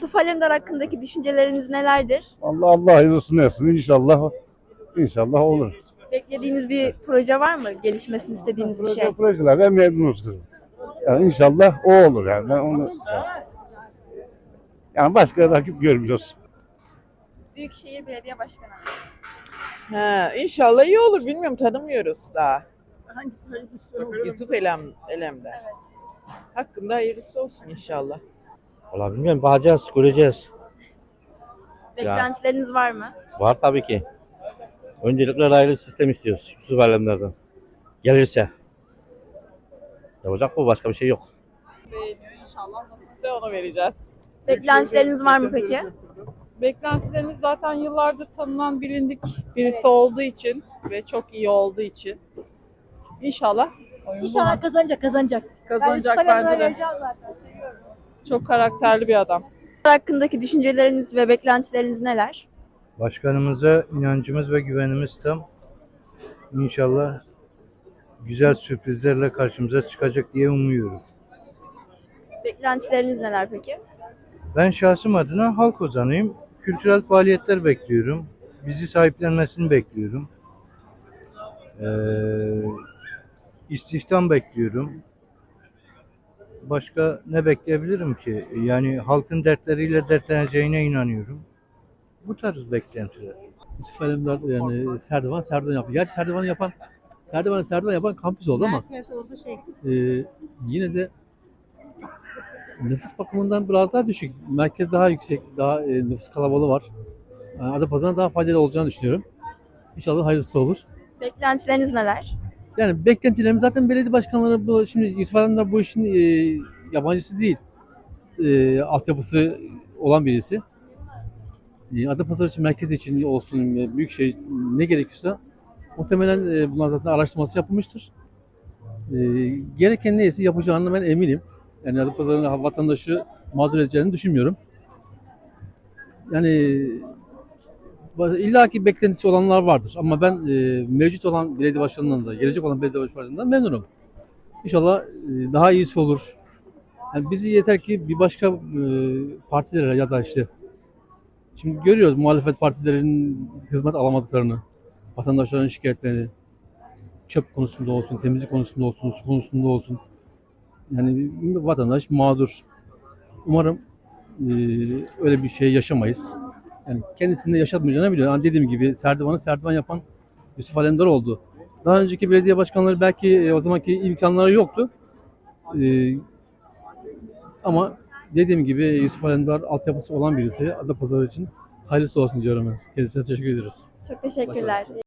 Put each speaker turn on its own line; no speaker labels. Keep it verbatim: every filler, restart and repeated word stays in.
Yusuf Alemdar hakkındaki düşünceleriniz nelerdir?
Allah Allah hayırlısını etsin. İnşallah inşallah olur.
Beklediğiniz bir proje var mı? Gelişmesini istediğiniz bir
Proje
şey.
projelere memnunuz kızım. Yani inşallah o olur yani. Ben onu yani başka rakip görmüyoruz.
Büyükşehir Belediye Başkanı.
Ha, inşallah iyi olur. Bilmiyorum, tanımıyoruz daha.
Hangisi hayırlısı?
Yusuf Elem, Elem'den.
Evet.
Hakkında hayırlısı olsun inşallah.
Valla bilmiyorum, bakacağız, göreceğiz.
Beklentileriniz var mı?
Var tabii ki. Öncelikle raylı sistem istiyoruz Yusuf Alemler'den. Gelirse. Yapacak bu, başka bir şey yok.
Beğeniyor inşallah. Nasipse ona vereceğiz.
Beklentileriniz var mı peki?
Beklentilerimiz zaten yıllardır tanınan, bilindik birisi olduğu için ve çok iyi olduğu için. İnşallah oyun
İnşallah
buna.
kazanacak, kazanacak.
Kazanacak
ben
bence de.
vereceğim zaten, seviyorum.
Çok karakterli bir adam.
Hakkındaki düşünceleriniz ve beklentileriniz neler?
Başkanımıza inancımız ve güvenimiz tam. İnşallah güzel sürprizlerle karşımıza çıkacak diye umuyorum.
Beklentileriniz neler peki?
Ben şahsım adına halk ozanıyım. Kültürel faaliyetler bekliyorum. Bizi sahiplenmesini bekliyorum. Ee, istihdam bekliyorum. Başka ne bekleyebilirim ki? Yani halkın dertleriyle dertleneceğine inanıyorum. Bu tarz beklentiler.
Yusuf Alemdar yani Serdivan Serdivan yaptı. Gerçi Serdivan'ı yapan Serdivan'ı Serdivan yapan kampüs oldu ama e, yine de nüfus bakımından biraz daha düşük. Merkez daha yüksek, daha e, nüfus kalabalığı var. Yani Adapazarı'na daha faydalı olacağını düşünüyorum. İnşallah hayırlısı olur.
Beklentileriniz neler?
Yani beklentilerim zaten belediye başkanları bu şimdi Yusuf Alemdar bu işin e, yabancısı değil. E, altyapısı olan birisi. E, Adapazarı için, merkez için olsun, e, büyükşehir için ne gerekiyorsa muhtemelen e, bunlar zaten araştırması yapılmıştır. E, gereken neyse yapacağını ben eminim. Yani Adapazarı'nın vatandaşı mağdur edeceğini düşünmüyorum. Yani illaki beklentisi olanlar vardır ama ben e, mevcut olan belediye başkanından da, gelecek olan belediye başkanından memnunum. İnşallah e, daha iyisi olur. Yani bizi yeter ki bir başka e, partilere ya da işte şimdi görüyoruz muhalefet partilerinin hizmet alamadıklarını, vatandaşların şikayetlerini, çöp konusunda olsun, temizlik konusunda olsun, su konusunda olsun. Yani vatandaş mağdur. Umarım e, öyle bir şey yaşamayız. Yani kendisinde yaşatmayacağını biliyor. Yani dediğim gibi Serdivan'ı Serdivan yapan Yusuf Alemdar oldu. Daha önceki belediye başkanları belki e, o zamanki imkanları yoktu. E, ama dediğim gibi Yusuf Alemdar altyapısı olan birisi. Adapazarı için hayırlısı olsun diyorum ben. Kendisine teşekkür ederiz.
Çok teşekkürler.